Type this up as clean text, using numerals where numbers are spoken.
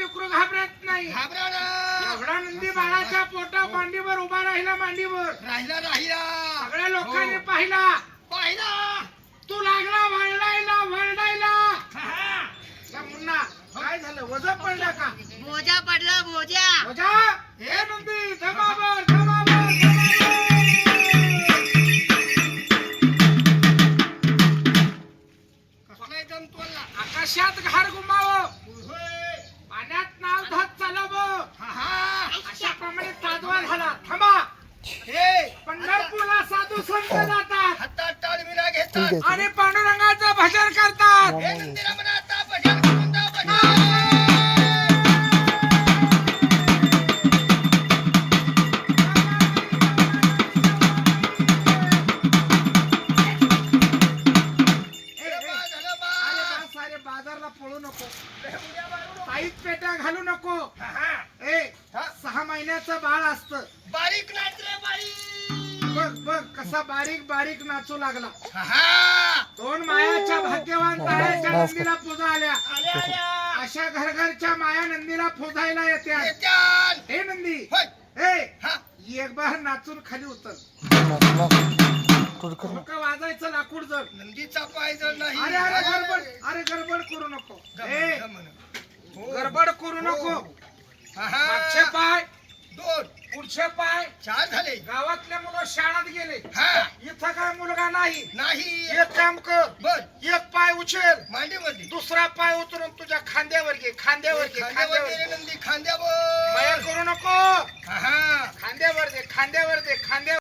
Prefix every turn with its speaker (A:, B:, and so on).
A: लेकरू घाबरत नाही.
B: घाबरा ना.
A: एवढा नंदी बाळाच्या पोटा मांडीवर उभा राहिला, मांडीवर
B: राहिला राहिला.
A: सगळ्या लोकांनी पाहिला.
B: पाहिला.
A: तू लागला वरडायला वरडायला. त्या मुन्ना काय झालं, वजा पडला का?
C: बोजा पडला बोजा.
A: वजा हे नंदी जमावर जमावर
B: कसलाय जमतोला.
A: आकाशात घार घुमावं, पाण्यात नाव धत चालावं, अशाप्रमाणे ताजवा झाला. थांबा,
B: हे
A: पंढरपूरला साधू संत जातात
B: हातात टाळविरा घेतात
A: आणि पांडुरंगाचं भजन करतात.
B: हे नंदीला म्हणा आता भजन करून जा भजन.
A: अरे बाजारला पळू नको, साईत पेट्या घालू नको. ए 6 महिन्याचं बाळ असतं.
B: बारीक नाच रे बाई.
A: बघ बघ कसा बारीक बारीक नाचू लागला.
B: हा.
A: 2 मायाच्या भाग्यवान ताऱ्याच्या नंदीला पूजा आल्या.
B: आल्या आल्या.
A: अशा घरघरच्या माया नंदीला पूजायला येत्या.
B: येत्यान.
A: हे नंदी,
B: होय.
A: ए
B: हा.
A: एक बार नाचून खाली उतर. डोकं वाजायचं लाकूड जड.
B: नंदीचा पाय जर नाही.
A: अरे अरे गडबड, अरे गडबड करू नको. ए गडबड करू नको. मागचे पाय
B: 2
A: पुढचे पाय.
B: 4 झाले.
A: गावातले मुलं शाळेत गेले.
B: हा.
A: इथं काय मुलगा नाही.
B: नाही.
A: एक काम कर,
B: बर.
A: एक पाय उचल,
B: मांडीवरती.
A: दुसरा पाय उतरून तुझ्या खांद्यावर घे, खांद्यावर घे,
B: खांद्यावर
A: खांद्यावर
B: गेले
A: घे.
B: नंदी खांद्यावर.
A: माया करू नको.
B: हा.
A: खांद्यावर दे, खांद्यावर दे, खांद्यावर